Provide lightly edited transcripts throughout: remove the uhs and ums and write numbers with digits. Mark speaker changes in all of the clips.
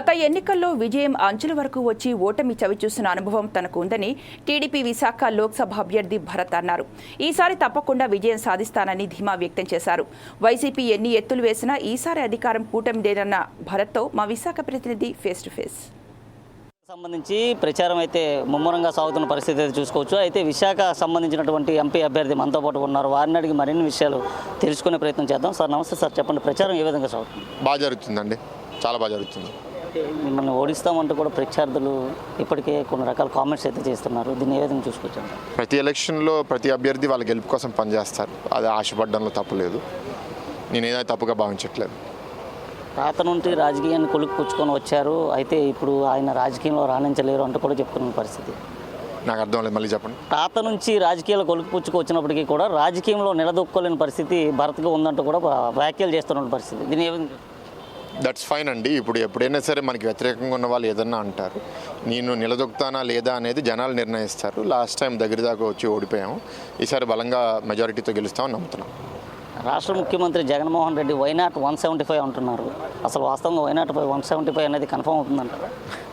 Speaker 1: ఎన్నికల్లో విజయం అంచుల వరకు వచ్చి ఓటమి చవిచూసిన అనుభవం తనకు ఉందని టీడీపీ విశాఖ లోక్సభ అభ్యర్థి భరత్ అన్నారు. ఈసారి తప్పకుండా విజయం సాధిస్తానని ధీమా వ్యక్తం చేశారు. వైసీపీ ఎన్ని ఎత్తులు వేసినా ఈసారి అధికారం కూటమిదేనన్న భరత్తో మా విశాఖ ప్రతినిధి ఫేస్ టు ఫేస్.
Speaker 2: సంబంధించి ప్రచారం అయితే ముమ్మరంగా సాగుతున్న పరిస్థితి అయితే చూసుకోవచ్చు. అయితే విశాఖ సంబంధించినటువంటి ఎంపీ అభ్యర్థి మనతో పాటు ఉన్నారు. వారిని అడిగి మరిన్ని విషయాలు తెలుసుకునే ప్రయత్నం చేద్దాం. సార్ నమస్తే సార్, చెప్పండి ప్రచారం ఏ విధంగా సాగుతుంది?
Speaker 3: బాగా జరుగుతుందండి, చాలా బాగా జరుగుతుంది.
Speaker 2: మిమ్మల్ని ఓడిస్తామంటూ కూడా ప్రత్యర్థులు ఇప్పటికే కొన్ని రకాల కామెంట్స్ అయితే చేస్తున్నారు. దీన్ని ఏ విధంగా చూసుకోవచ్చు?
Speaker 3: ప్రతి ఎలక్షన్లో ప్రతి అభ్యర్థి వాళ్ళ గెలుపు కోసం పనిచేస్తారు. అది ఆశపడడంలో తప్పులేదు. నేను ఏదైనా తప్పుగా భావించట్లేదు.
Speaker 2: తాత నుండి రాజకీయాన్ని కొలుకు పుచ్చుకొని వచ్చారు, అయితే ఇప్పుడు ఆయన రాజకీయంలో రాణించలేరు అంటూ కూడా చెప్తున్న పరిస్థితి.
Speaker 3: నాకు అర్థం లేదు, మళ్ళీ చెప్పండి.
Speaker 2: తాత నుంచి రాజకీయాలు కొలుకు పుచ్చుకు వచ్చినప్పటికీ కూడా రాజకీయంలో నిలదొక్కోలేని పరిస్థితి భరత్గా ఉందంటూ కూడా వ్యాఖ్యలు చేస్తున్న పరిస్థితి. దీని ఏ విధంగా?
Speaker 3: దట్స్ ఫైన్ అండి. ఇప్పుడు ఎప్పుడైనా సరే మనకి వ్యతిరేకంగా ఉన్న వాళ్ళు ఏదన్నా అంటారు. నేను నిలదొక్కుతానా లేదా అనేది జనాలు నిర్ణయిస్తారు. లాస్ట్ టైం దగ్గర దాకా వచ్చి ఓడిపోయాము. ఈసారి బలంగా మెజారిటీతో గెలుస్తామని నమ్ముతున్నాం.
Speaker 2: రాష్ట్ర ముఖ్యమంత్రి జగన్మోహన్ రెడ్డి వైనాట్ 175 అంటున్నారు. అసలు వాస్తవంగా వైనాట్ 175 అనేది కన్ఫర్మ్ అవుతుందంటారా?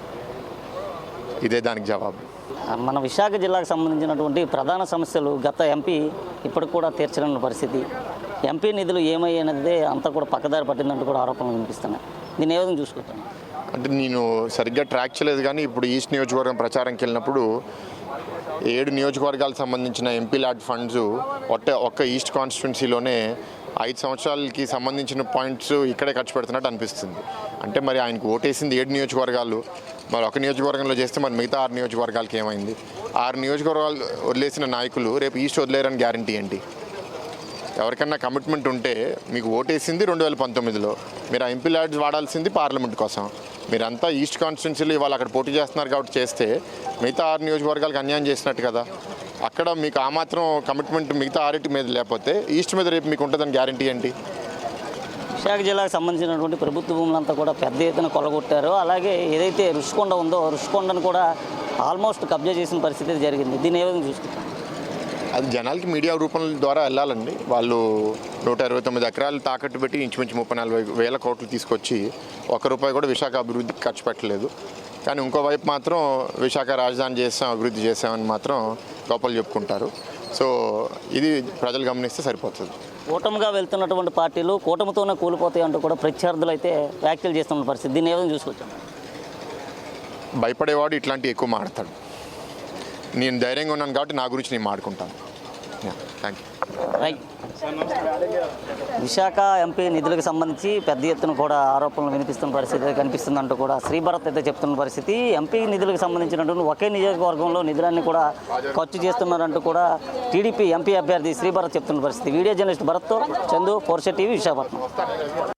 Speaker 3: ఇదే దానికి జవాబు.
Speaker 2: మన విశాఖ జిల్లాకు సంబంధించినటువంటి ప్రధాన సమస్యలు గత ఎంపీ ఇప్పటికి కూడా తీర్చలేని పరిస్థితి. ఎంపీ నిధులు ఏమయ్యేది అంతా కూడా పక్కదారి పట్టిందంటూ కూడా ఆరోపణలు వినిపిస్తున్నాయి. దీన్ని ఏ విధంగా చూసుకుంటాను?
Speaker 3: అంటే నేను సరిగ్గా ట్రాక్ చేయలేదు, కానీ ఇప్పుడు ఈస్ట్ నియోజకవర్గం ప్రచారంకి వెళ్ళినప్పుడు 7 నియోజకవర్గాలకు సంబంధించిన ఎంపీ ల్యాడ్ ఫండ్స్ ఒక్క ఈస్ట్ కాన్స్టిట్యున్సీలోనే 5 సంవత్సరాలకి సంబంధించిన పాయింట్స్ ఇక్కడే ఖర్చు పెడుతున్నట్టు అనిపిస్తుంది. అంటే మరి ఆయనకు ఓటేసింది 7 నియోజకవర్గాలు, మరి ఒక నియోజకవర్గంలో చేస్తే మరి మిగతా 6 నియోజకవర్గాలకి ఏమైంది? 6 నియోజకవర్గాలు వదిలేసిన నాయకులు రేపు ఈస్ట్ వదిలేరని గ్యారంటీ ఏంటి? ఎవరికన్నా కమిట్మెంట్ ఉంటే మీకు ఓటేసింది 2019లో, మీరు ఆ ఎంపీ ల్యాడ్స్ వాడాల్సింది పార్లమెంట్ కోసం. మీరంతా ఈస్ట్ కాన్స్టిట్యున్సీలో ఇవాళ అక్కడ పోటీ చేస్తున్నారు కాబట్టి చేస్తే మిగతా 6 నియోజకవర్గాలకు అన్యాయం చేసినట్టు కదా. అక్కడ మీకు ఆ మాత్రం కమిట్మెంట్ మిగతా 6 మీద లేకపోతే ఈస్ట్ మీద రేపు మీకు ఉంటుందని గ్యారంటీ ఏంటి?
Speaker 2: విశాఖ జిల్లాకు సంబంధించినటువంటి ప్రభుత్వ భూములంతా కూడా పెద్ద ఎత్తున కొల్లగొట్టారు. అలాగే ఏదైతే రుషికొండ ఉందో రుషికొండను కూడా ఆల్మోస్ట్ కబ్జా చేసిన పరిస్థితి జరిగింది. దీన్ని ఏ విధంగా చూసుకుంటారు?
Speaker 3: అది జనాలకి మీడియా రూపం ద్వారా వెళ్ళాలండి. వాళ్ళు 129 ఎకరాలు తాకట్టు పెట్టి ఇంచుమించు 30-40 వేల కోట్లు తీసుకొచ్చి ₹1 కూడా విశాఖ అభివృద్ధికి ఖర్చు పెట్టలేదు. కానీ ఇంకోవైపు మాత్రం విశాఖ రాజధాని చేసాం, అభివృద్ధి చేసామని మాత్రం గొప్పలు చెప్పుకుంటారు. సో ఇది ప్రజలు గమనిస్తే సరిపోతుంది.
Speaker 2: కూటమిగా వెళ్తున్నటువంటి పార్టీలు కూటమితోనే కూలిపోతాయి అంటూ కూడా ప్రత్యర్థులు అయితే వ్యాఖ్యలు చేస్తున్న పరిస్థితి. దీన్ని ఏ విధంగా చూసుకోవచ్చు?
Speaker 3: భయపడేవాడు ఇట్లాంటివి ఎక్కువ మాడతాడు. నేను ధైర్యంగా ఉన్నాను కాబట్టి నా గురించి నేను మాడుకుంటాను. Thank you.
Speaker 2: Right. Visakha MP నిధులకు సంబంధించి పెద్ద ఎత్తున కూడా ఆరోపణలు వినిపిస్తున్న పరిస్థితి కనిపిస్తుందంటూ కూడా శ్రీభరత్ అయితే చెప్తున్న పరిస్థితి. ఎంపీ నిధులకు సంబంధించినటువంటి ఒకే నియోజకవర్గంలో నిధులన్నీ కూడా ఖర్చు చేస్తున్నారంటూ కూడా టీడీపీ ఎంపీ అభ్యర్థి శ్రీభరత్ చెప్తున్న పరిస్థితి. వీడియో జర్నలిస్ట్ భరత్తో చందు, 4 టీవీ, విశాఖపట్నం.